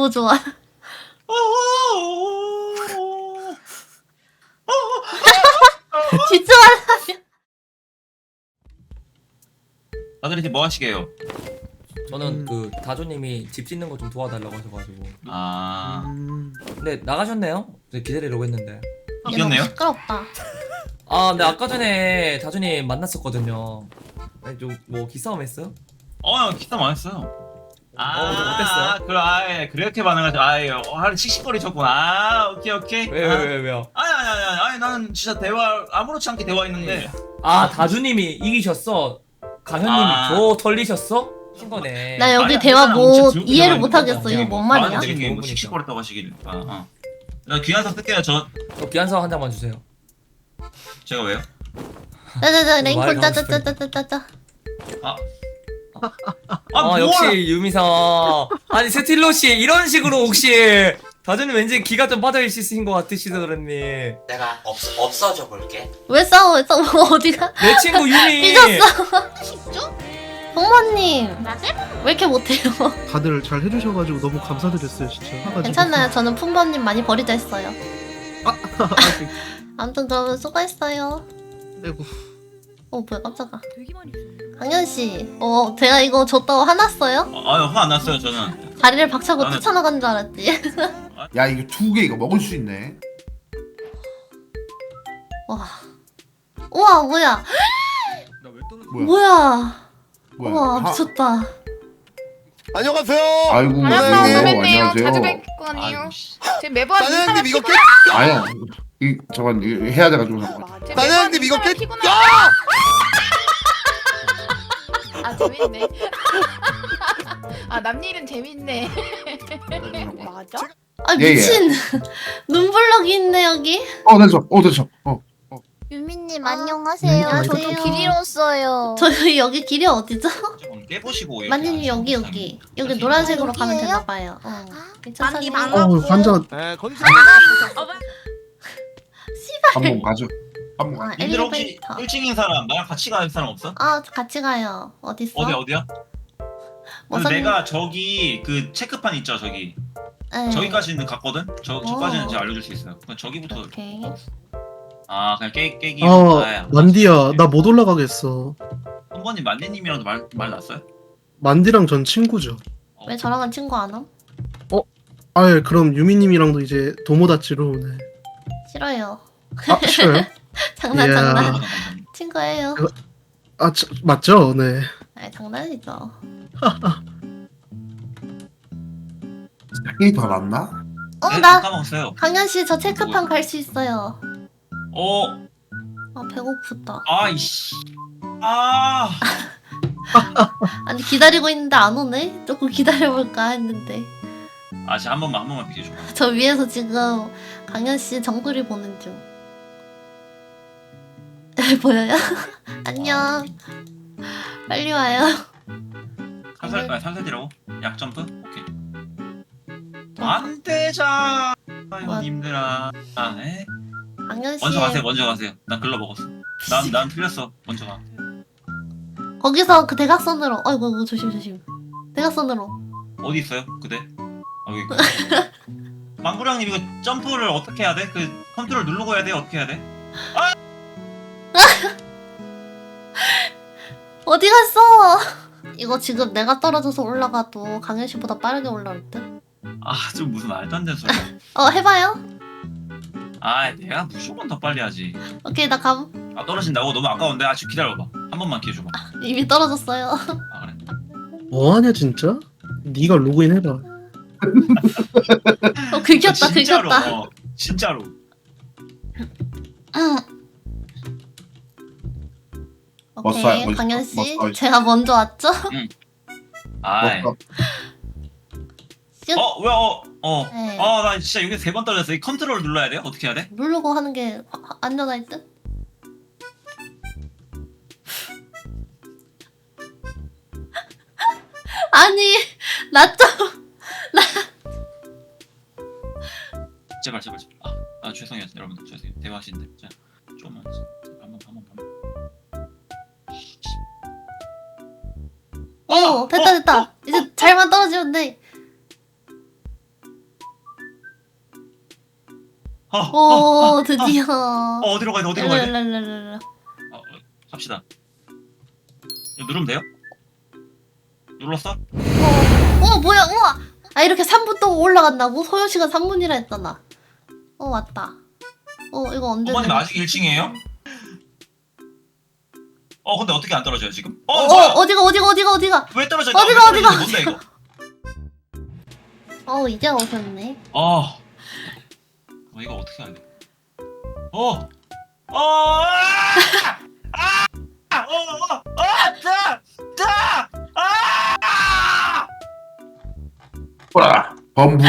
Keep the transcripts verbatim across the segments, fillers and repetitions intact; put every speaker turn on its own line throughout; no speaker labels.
너무 좋아. 집중하려면.
다들 이제 뭐 하시게요?
저는
음.
그 다조님이 집 짓는 거 좀 도와달라고 하셔가지고.
아
음.
근데 나가셨네요? 네, 기다리려고 했는데.
이겼네요?
너무 시끄럽다.
아, 근데 아까 전에 다조님 만났었거든요. 아니, 좀뭐 기싸움 했어요?
어 기타 많았어요. 아
어, 어땠어요?
그래 아예 그렇게 반응하죠. 아예 어, 하루 씩씩거리셨구나. 아 오케이 오케이.
왜,
아,
왜, 왜, 왜요?
아니 아니 아니 아니 아니 나는 진짜 대화 아무렇지 않게 대화했는데.
아, 다주님이 이기셨어? 강현님이
아.
저 털리셨어? 신 거네.
나 여기
아니야,
대화
괜찮아.
뭐
진짜
이해를
들고
못 하겠어.
들어가는
이거
거야.
뭔 말이야?
아, 되게
되게
좋은
뭐
분이죠.
씩씩거렸다고 하시길. 아 어. 나 귀한서 쓸게요. 저
저 기한서 한 장만 주세요.
제가 왜요?
짜자자
말
랭콜
가고
짜자짜자짜짜.
아.
아,
아 뭐야?
역시 유미상. 아니 스틸로 씨 이런 식으로 혹시 다주님 왠지 기가 좀 빠져 있으신 것 같으시다 그랬니?
내가 없, 없어져 볼게.
왜 싸워? 왜 싸워? 어디가?
내 친구 유미.
삐졌어. 부모님 왜 이렇게 못해요?
다들 잘 해주셔가지고 너무 감사드렸어요 진짜. 해가지고.
괜찮아요. 저는 품번님 많이 버리자 했어요.
아이고.
아무튼 그러면 수고했어요.
아이고.
어 뭐야 깜짝아. 강현 씨, 어 제가 이거 줬다고 화났어요?
아유 화 안 났어요 저는.
다리를 박차고
나는-
뛰쳐나간 줄 알았지.
야 이거 두 개 이거 먹을 수 있네.
와, 우와 뭐야?
뭐야?
뭐야?
뭐야?
우와
하-
미쳤다.
안녕하세요.
아이고
안녕하세요.
안녕하세요.
선배님요.
안녕하세요.
자주
뵙고 아니에요.
아이고 씨.
제 매번
사장님 이거 깨.
아야 이 저건 이거 해야 돼가지고 잠깐.
사장님 이거 깨.
야! 아 재밌네. 아 남일은 재밌네. 맞아?
아
예, 예.
미친. 눈블럭이 있네 여기.
어 됐어. 어 됐어. 어.
유미님
아,
안녕하세요.
안녕하세요.
저도 길 잃었어요.
저희 여기 길이 어디죠?
조금 깨보시고. 이렇게
만님 여기
하시는
여기
사람이
여기
있어요.
노란색으로
여기예요?
가면 되나 봐요. 어.
아,
괜찮아요.
만님
어
반갑고.
환자
네, 거기서
한번 가죠. 한번.
아,
가.
님들 혹시
엘리베이터.
꿀찡인 사람 나랑 같이 갈 사람 없어?
아 같이 가요. 어디 있어?
어디 어디야?
뭐
그래서
선-
내가 저기 그 체크판 있죠 저기
네.
저기까지는 갔거든. 저 저까지는
오.
제가 알려줄 수 있어요. 그럼 저기부터.
오케이.
아 그냥 깨 깨기.
어
아,
만디야 나 못 올라가겠어.
한 번님 만디님이랑도 말 말 났어요?
만디랑 전 친구죠.
어.
왜 저랑은 친구 안 함?
아예 그럼 유미님이랑도 이제 도모다치로 네.
싫어요.
아 싫어요?
장난
이야.
장난. 친구예요.
아 저, 맞죠? 네.
아 장난이죠.
이게 더 낫나?
어
네,
나
까먹었어요.
강현 씨 저 체크판 갈 수 있어요.
어
아 배고프다.
아이씨. 아
아니 기다리고 있는데 안 오네? 조금 기다려볼까 했는데
아 진짜 한 번만 한 번만 비켜줘.
저 위에서 지금 강현 씨 정글이 보는 중. 보여요? 안녕. 빨리 와요.
살살 아 살살이라고? 약 점프? 오케이. 안 되자. 아유 님들아. 아 에?
강현 씨
먼저 가세요. 먼저 가세요. 난 글러 먹었어. 난 난 틀렸어. 먼저 가.
거기서 그 대각선으로. 아이고 이거 조심 조심. 대각선으로.
어디 있어요? 그대? 아 여기 있구나. 망구랑님 이거 점프를 어떻게 해야 돼? 그 컨트롤 누르고 해야 돼? 어떻게 해야 돼?
어디 갔어? 이거 지금 내가 떨어져서 올라가도 강현 씨보다 빠르게 올라올 듯.
아 좀 무슨 말도 안 되는 소리야.
어 해봐요.
아 내가 무조건 더 빨리 하지.
오케이 나 감.
아 떨어진다고? 너무 아까운데? 아 지금 기다려봐. 한 번만 기회 줘봐.
이미 떨어졌어요.
아 그래?
뭐하냐 진짜? 네가 로그인 해봐.
어 긁혔다
진짜로.
긁혔다.
어, 진짜로.
응.
멋져요,
오케이
멋있어,
강현 씨
멋져요.
제가 먼저 왔죠?
아이.
먹어.
슉.
어? 왜 어? 어.
네.
어 나 진짜 여기 세 번 떨어졌어. 이 컨트롤 눌러야 돼요? 어떻게 해야 돼?
누르고 하는 게 화- 화- 안전할 듯? 아니 나 좀.
제발 제발 제발. 아, 아 죄송해요 여러분들 죄송해요. 대화하시는데 자 좀만 한번 한번 한번.
어 됐다 됐다. 이제 잘만 떨어지면 돼.
어, 어,
오 드디어.
어, 어디로 가야 돼? 어디로 가야 돼?
랄랄랄랄라.
어, 어, 갑시다. 이거 누르면 돼요? 눌렀어?
어 뭐야 우와. 아 이렇게 삼 분 동안 올라간다고? 소요 시간 삼 분이라 했잖아. 어 왔다. 어 이거 언제?
어머님
되나?
아직 일 층이에요? 어 근데 어떻게 안 떨어져요 지금? 어,
어,
뭐야?
어 어디가 어디가 어디가 어디가?
왜 떨어져?
어디가,
왜 떨어지는지 뭔데 이거?
어 이제 오셨네.
어. 어 이거 어떻게 해야 돼? 어. 어. 아! 아! 아! 어, 어, 아! 자! 자! 아!
보라 범부.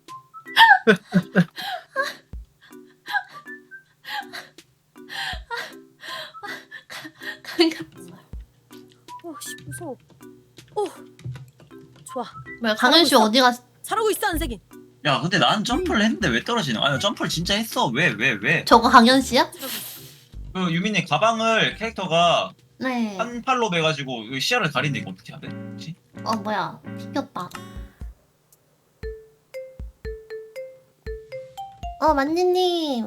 오씨 무서워. 오 좋아.
뭐야 강현 씨 어디가?
잘하고 있어 안색인.
야, 근데 난 점프를 했는데 왜 떨어지냐? 아니, 점프를 진짜 했어. 왜, 왜, 왜?
저거 강현 씨야?
그 유민이 가방을 캐릭터가
네.
한 팔로 매가지고 이 시야를 가리는데 이거 어떻게 해야 돼? 혹시?
어 뭐야 튕겼다. 어 만니님.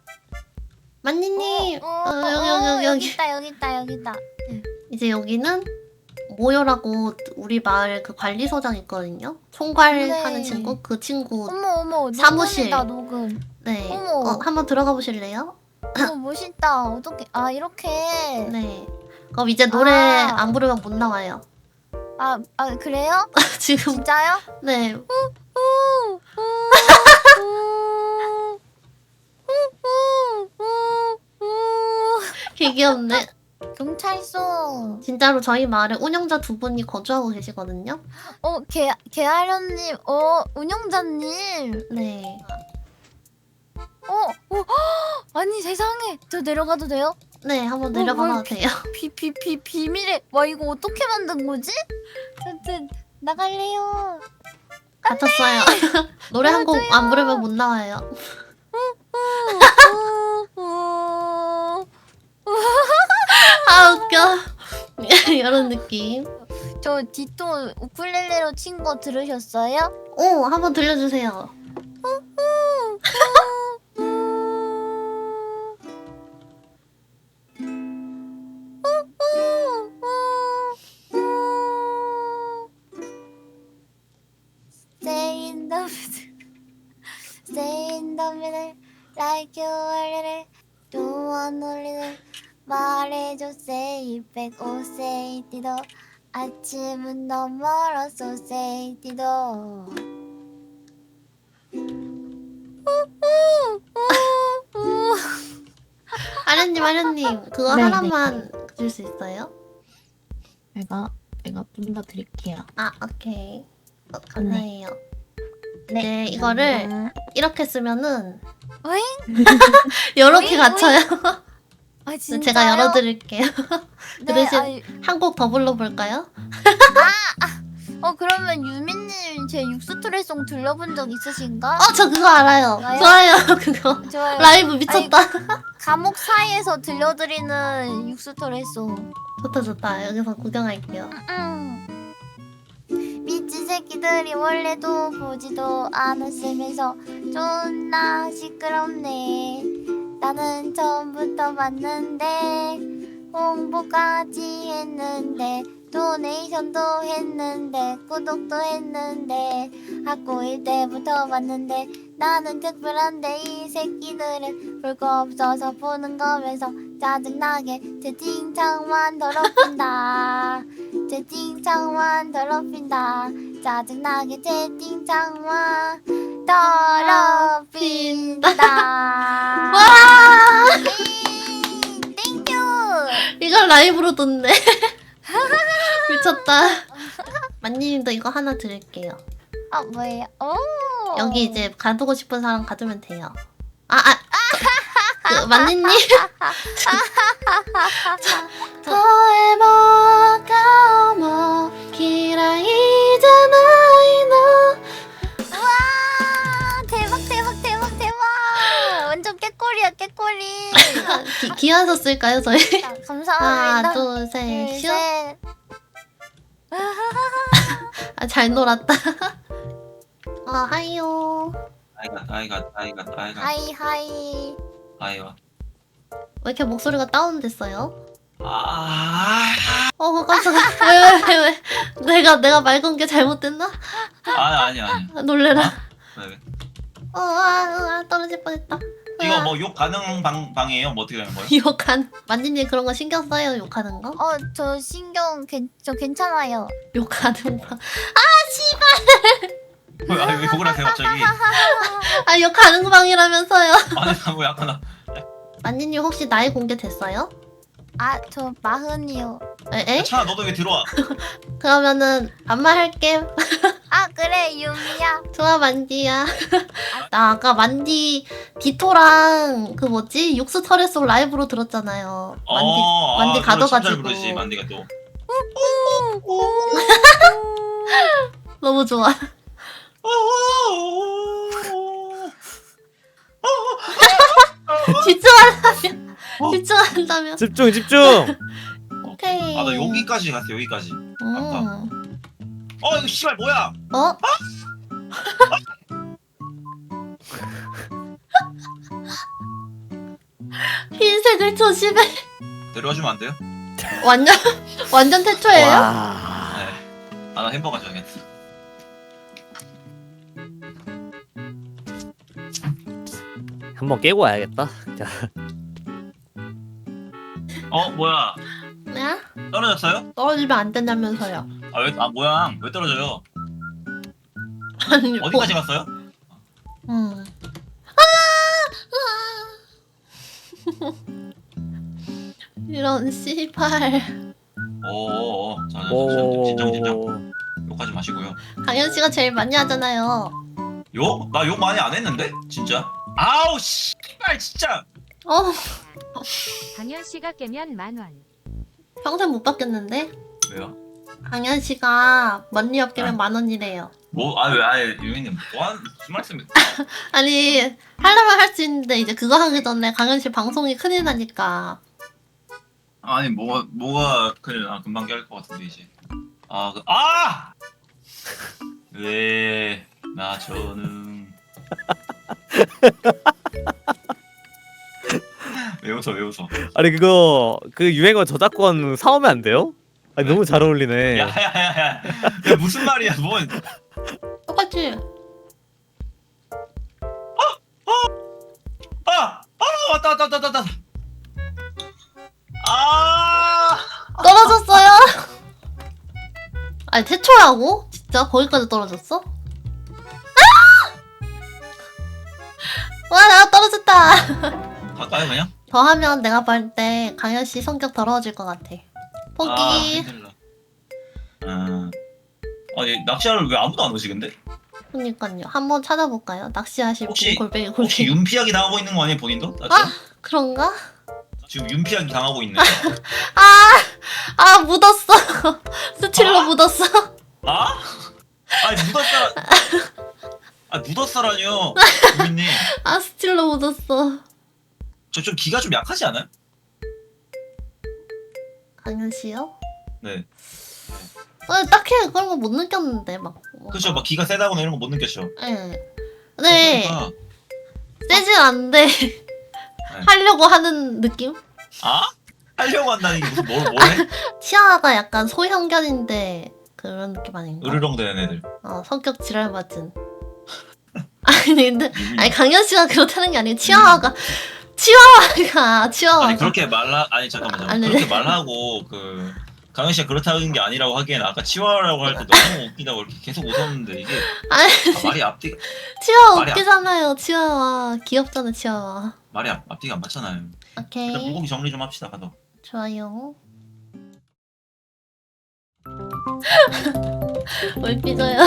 만니님. 어, 여기 여기 여기 여기.
있다 여기 있다 여기 있다.
이제 여기는 모여라고 우리 마을 그 관리소장 있거든요. 총괄하는
네.
친구 그 친구.
어머 어머
사무실.
녹음이다 녹음.
네.
어머.
어, 한번 들어가 보실래요?
어머 멋있다. 어떻게 아 이렇게.
네. 그럼 이제 노래
아.
안 부르면 못 나와요.
아, 아 그래요?
지금
진짜요?
네.
우, 우, 우, 우, 우, 우.
개 귀엽네.
경찰서.
진짜로 저희 마을에 운영자 두 분이 거주하고 계시거든요.
어, 개, 개아련님, 어, 운영자님.
네.
어, 어, 아니 세상에. 저 내려가도 돼요?
네, 한번
뭐,
내려가봐도
뭘
돼요.
비, 비, 비, 비밀의, 와, 이거 어떻게 만든 거지? 저, 저, 나갈래요.
갇혔어요. 노래 한 곡 안 부르면 못 나와요.
우, 우, 우.
아, 웃겨. 이런 느낌.
저 디토 우쿨렐레로 친 거 들으셨어요?
오, 한번 들려주세요.
Stay in the middle, stay in the middle, like you are little. Don't want no little. 말해줘, say it back, oh say it 도. 아침은 너무 멀었어, say it 도.
아련님, 아련님, 그거
네,
하나만 줄 수 있어요?
제가 제가 좀 더 드릴게요.
아, 오케이. 어, 감사해요. 네, 이거를 이렇게 쓰면은
어잉?
이렇게
어잉,
갇혀요.
아 진짜요?
제가 열어드릴게요. 그
네,
대신
아이,
한 곡 더 불러볼까요?
어 그러면 유민님 제 육수트레송 들려본 적 있으신가?
어, 저 그거 알아요.
좋아요?
좋아요, 그거.
좋아요.
라이브 미쳤다.
감옥 사이에서 들려드리는 육수트레송.
좋다, 좋다. 여기서 구경할게요.
음. 미친 새끼들이 원래도 보지도 않았으면서 존나 시끄럽네. 나는 처음부터 봤는데 홍보까지 했는데 도네이션도 했는데 구독도 했는데 학교 일 때부터 봤는데 나는 특별한데 이 새끼들은 볼 거 없어서 보는 거면서 짜증나게 채팅창만 더럽힌다. 채팅창만 더럽힌다. 짜증나게 채팅창만 더럽힌다.
와!
음, 땡큐.
이걸 라이브로 듣네. 미쳤다. 만님도 이거 하나 드릴게요.
아 뭐예요? 오.
여기 이제 가두고 싶은 사람 가두면 돼요. 아, 아. 그, 만니님. 더해봐가 어머 기라이잖아이 너.
와 대박 대박 대박 대박. 완전 깨꼬리야 깨꼬리.
기, 기어서 쓸까요 저희?
자, 감사합니다.
하나 둘셋
둘,
슛.
셋.
아, 잘 놀았다. 아, 하이요.
아이가 아이가 아이가 아이가
하이 하이.
아이와.
왜 이렇게 목소리가 다운됐어요?
아,
어 깜짝아. 왜왜 왜, 왜? 내가 내가 말 건 게 잘못됐나?
아 아니 아니.
아, 놀래라.
왜 왜?
어, 아, 아, 떨어질 뻔했다.
이거 뭐 욕 가능 방 방이에요? 뭐 어떻게 되는 거예요?
욕한 만지님 그런 거 신경 써요? 욕하는 거?
어 저 신경 괜, 저 괜찮아요.
욕하는 거?
왜, 아니 왜 욕을 하세요 갑자기?
아 욕하는 거 방이라면서요?
아니 나뭐 약간 나-
만지님 혹시 나이 공개됐어요?
아 저 마흔이요.
에? 에?
차나 너도 왜 들어와?
그러면은 반말할게.
아 그래 유미야.
좋아 만디야. 나 아까 만디 디토랑 그 뭐지 육수 털에 속 라이브로 들었잖아요. 만디
어,
만디
아, 그걸 참 잘
가둬가지고.
부르지 만디가 또.
너무 좋아. 집중한다면 집중한다면.
집중 집중.
오케이.
아 나 여기까지 갔어 여기까지.
음.
어 이거 씨발 뭐야?
어? 흰색을 조심해.
내려와주면 안 돼요?
완전 완전 태초예요?
와.
네. 아나 햄버거 줘야겠어.
한번 깨고 와야겠다. 자.
어 뭐야?
네?
떨어졌어요?
떨어지면 안 된다면서요.
아 왜 아 뭐야? 왜 떨어져요?
아니
어디까지 갔어요?
음. 아! 이런 씨발.
오오오. 자, 자, 자, 진정 진정. 욕하지 마시고요.
강현 씨가 제일 많이 하잖아요.
욕? 나 욕 많이 안 했는데? 진짜? 아우 씨발 진짜.
어
강현 씨가 깨면 만 원.
평생 못 받겠는데?
왜요?
강현 씨가 먼리 업계면
아.
만 원이래요.
뭐? 아왜 아예 유민님 뭐한 무슨 말씀이?
아니 하려면 할 수 있는데 이제 그거 하기 전에 강현 씨 방송이 큰일 나니까.
아니 뭐가 뭐가 그래 아 금방 깰 것 같은데 이제. 아 그 아! 왜 나 저는 왜 웃어 왜 웃어?
아니 그거 그 유행어 저작권 사오면 안 돼요? 아니 너무 잘 어울리네.
야야야야 무슨 말이야 뭔?
똑같지?
아! 아 왔다 왔다 왔다 왔다. 아!
떨어졌어요? 아니 태초라고? 진짜 거기까지 떨어졌어? 아! 와 나 떨어졌다.
갈까요 그냥?
더 하면 내가 볼 때 강현 씨 성격 더러워질 것 같아. 포기.
아 힘들다. 아, 아니 낚시하러 왜 아무도 안 오지 근데?
그니까요. 한번 찾아볼까요? 낚시하실 분
혹시-
골뱅이 골뱅이.
혹시 윤피하기 당하고 있는 거 아니에요 본인도? 낚시?
아! 그런가?
지금 윤피하기 당하고 있네.
아! 아 묻었어. 스틸로
아?
묻었어.
아? 아니 묻었어라. 아 묻었어라뇨 유민님.
아 스틸로 묻었어.
저 좀 기가 좀 약하지 않아요?
강현 씨요?
네.
아, 딱히 그런 거 못 느꼈는데 막.
그렇죠. 막 기가 세다거나 이런 거 못 느꼈죠.
예. 네.
그러니까
세진 않은데 하려고 하는 느낌?
아? 하려고 한다는 게 무슨 뭘 뭐래?
치아가 약간 소형견인데 그런 느낌 아닌가?
으르렁대는 애들.
어 성격 지랄 맞은. 아니 근데 아니 강현 씨가 그렇다는 게 아니고 치아와가 치와와가 치와와가.
아니 그렇게 말하 아니 잠깐만 잠깐만.
아니,
그렇게 말하고 그 강현 씨가 그렇다는 게 아니라고 하기엔 아까 치와라고 할 때 너무 웃기다고 이렇게 계속 웃었는데 이게
아니
아, 말이 앞뒤가
치와와
말이 안-
웃기잖아요. 치와와 귀엽잖아 치와와.
말이 앞, 앞뒤가 안 맞잖아요.
오케이
일단 물고기 정리 좀 합시다 가도.
좋아요. 뭘 삐져요?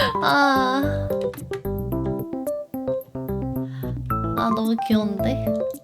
아. 아 너무 귀여운데?